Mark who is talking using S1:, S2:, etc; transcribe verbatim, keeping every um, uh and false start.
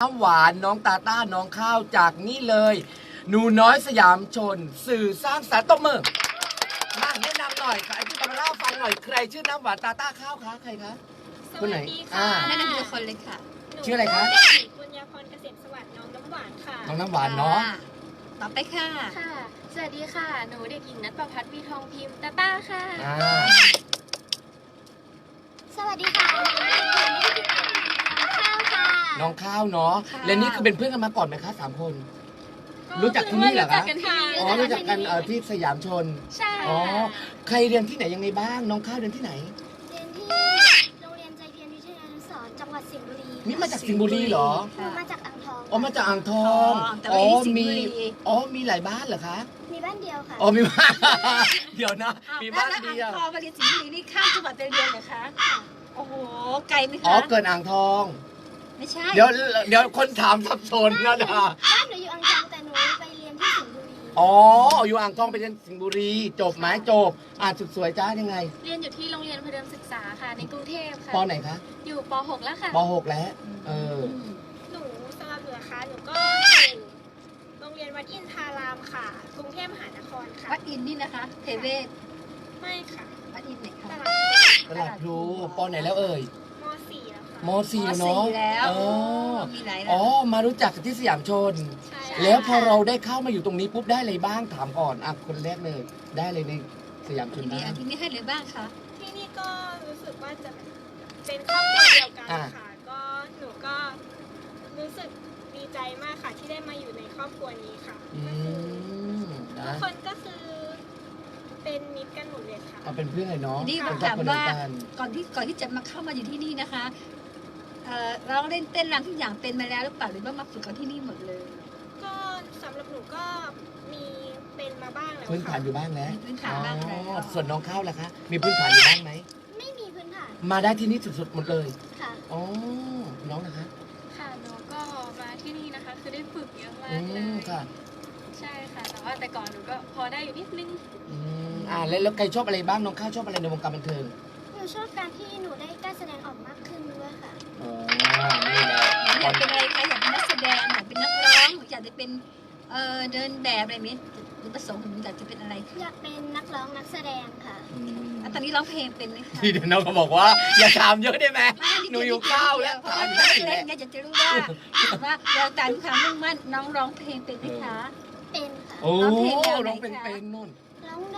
S1: น้ำหวานน้องตาต้าน้องข้าวจากนี่เลยหนูน้อยสยามชนสื่อสร้างสรรค์ตบมือมาแนะนำหน่อยค่ะไอ้ที่จะมาเล่าฟังหน่อยใครชื่อน้ำหวานตาต้าข้าวคะใครคะ
S2: ส
S1: คน
S2: วั
S1: ไหน
S2: สดี
S1: อ่า
S2: ค่ะ
S3: แนะนำทีละคนเลยค่ะ
S1: ชื่ออะไรคะ
S2: หนูเด็กหญิงปุญญาพรเกษมสวัสดิ์น้องน้ำหวานค่ะ
S1: น้องน้ำหวานเนาะ
S3: ต่อไปค่ะ
S4: ค่ะ สวัสดีค่ะ หนูเด็กหญิงนัทประพัฒน์วีทองพิมพ์ตาต้าค่ะ
S1: อ่า
S4: สวัสดีค่ะ ข้าวค่ะ
S1: น้องข้าวเนาะ
S3: ค่ะ
S1: และนี่คือเป็นเพื่อนกันมาก่อนไหมคะสามคน รู้จักที่นี่เหรอคะ
S4: รู้จักกันที่นี่
S1: อ๋อรู้จักกันเอ่อที่สยามชน
S4: ใช่
S1: อ๋อ
S4: ค่ะ
S1: ใครเรียนที่ไหนยังไงบ้างน้องข้าวเรียนที่ไหน
S4: เรียนที่โรงเรียนใจเพียรวิทยานุสรณ์จังหวัดสิงห์บุรี
S1: นี่มาจากสิงห์บุรีเหรอ
S4: หนูมาจากอ่างทอง
S1: อ๋อมาจากอ่างทอง
S3: อ๋อแต่ไม่ได้สิงห์บุรี
S1: อ๋อมีหลายบ้านเหรอคะ
S4: มีบ้านเดียวค่ะ
S1: อ๋อมีบ้าน เดี๋ยวนะ มีบ้าน
S3: แล้ว
S1: เดียว
S3: อ่างทองมาเรียนสิงห์บุรีนี่ข้ามจังหวัดไปเรียนเหรอคะ โอ้โห ไกลไหมคะ
S1: อ๋อเกิดอ่างทอง
S3: ไม่ใช่
S1: เดี๋ยวเดี๋ยวคนถามสับสนนะดา
S4: บ้านหนูอยู่อ่างทองแต่หนูไปเรียนที่สิงห์บุรี
S1: อ๋ออยู่อ่างทองไปเรียนสิงห์บุรีจบไหมจบอ่านสุดสวยจ้ายังไง
S4: เรียนอยู่ที่โรงเรียนพเดิมศึกษาค่ะ ในกรุงเทพค่ะ
S1: ปไหนคะ
S4: อยู่ป .หก แล้วค่ะ
S1: ปหกแล้ว เออ
S2: หนูสำหรับหนูนะคะหนูก็อยู่โรงเรียนวัดอินทารามค่ะ กรุงเทพมหานครค่ะ
S3: วัดอินนี่นะคะเทเวศ
S2: ไม่ค่ะ
S3: วัดอินไหนคะ
S2: ตลาด
S1: ตลาดพลูปไหนแล้วเอ่ย
S2: ม .สี่ แล้วค่ะ
S1: มสี่
S3: ม
S1: เนาะ
S3: สี่แล้ว
S1: อ๋อ
S3: มีหลาย
S1: อ๋
S3: ระ
S1: อ
S3: ดับ
S1: มารู้จักกันที่สยามชน
S2: ใช่
S1: แล้วพอเราได้เข้ามาอยู่ตรงนี้ปุ๊บได้อะไรบ้างถามก่อนอ่ะคนแรกเลย ได้เลยในสยามชน
S3: ที่นี่
S1: บ้าง
S3: อันที่นี่ให้เลยบ้างคะ
S2: ที่นี่ก็รู้สึกว่าจะเป็นครอบครัวเดียวกัน
S1: อ่า
S2: ค่ะ ก็หนูก็รู้สึกดีใจมากค่ะที่ได้มาอยู่ในครอบครัวนี้ค่ะ
S1: อื
S2: ก็คือ
S1: ม
S2: ทุ
S1: นะ
S2: กคนก็คือเป็นมิตรกันหมดเลยค่ะ
S1: เอาเป็นเพื่อนเลยเนาะ
S3: ทีนี้
S1: เป็น
S3: ถาม
S1: ครอบครัวเดี
S3: ว่า
S1: ยวกัน
S3: ก่อนที่ก่อนที่จะมาเข้ามาอยู่ที่นี่นะคะเอ่อเราเล่นเต้นรำทุกอย่างเป็นมาแล้วหรือเปล่าหรือว่ามาฝึกกันที่นี่หมดเลย
S2: ก็สำหรับหนูก็มีเป็นมาบ้างแล้ว
S1: พื้นฐานอ
S2: ค่ะ
S1: ยู่บ้างแล้ว
S3: มีพื้นฐานบ้างแล้ว
S1: อ๋อส่วนน้องข้าวล่ะคะ มีพื้นฐานอยู่บ้างไหม
S4: ไม่มีพื้นฐาน
S1: มาได้ที่นี่สุดๆหมดเลย
S4: ค่ะ
S1: อ๋อ น้องนะคะ
S4: ค่ะ หนูก็มาที่นี่นะคะ คือได้ฝึกเยอะมา
S1: อื
S4: กเล
S1: ม
S4: ย
S1: ค่ะ
S4: ใช่ค่ะ แต่ว่าแต่ก่อนหนูก็พอได้อยู่นิดนึง
S1: อืมอ่าแล้วแล้วใครชอบอะไรบ้าง น้องข้าวชอบอะไรในวงการบันเทิง
S4: หนูชอบการที่หนูได้กล้าแสดงออกมากขึ้นด้วยค่ะ
S1: อ๋อ นี่แหละ
S3: อยากเป็นอะไรคะอยากเป็นนักแสดงอยากเป็นนักร้องอยากจะเป็นเอ่อเดินแบบอะไรนี้หรือประสงค์ของหนูอยากจะเป็นอะไรคะ
S4: อยากเป็นนักร้องนักแสดงค่ะ
S1: อืม
S3: อ่ะตอนนี้ร้องเพลงเป็นไหมคะ
S1: ที่เดี๋ยวน้องก็บอกว่า อย่าถามเยอะได้ไหม
S3: ไม่
S1: หนูอยู่ข้าวแล้ว
S3: เพราะ
S1: ถาม
S3: ว่า
S1: ได้
S3: เล็
S1: แห
S3: ก
S1: ละ
S3: เนี่ยอยากจะรู้ว่าว่าเราตามความมุ่งมั่นน้องร้องเพลงเป็นไหมคะ
S4: เป็นค่ะ
S1: โอ้
S3: ร้องเพลงแนวไหน
S1: ร้องเป็น
S3: คะ
S1: เป็นนู่น
S4: ร้อง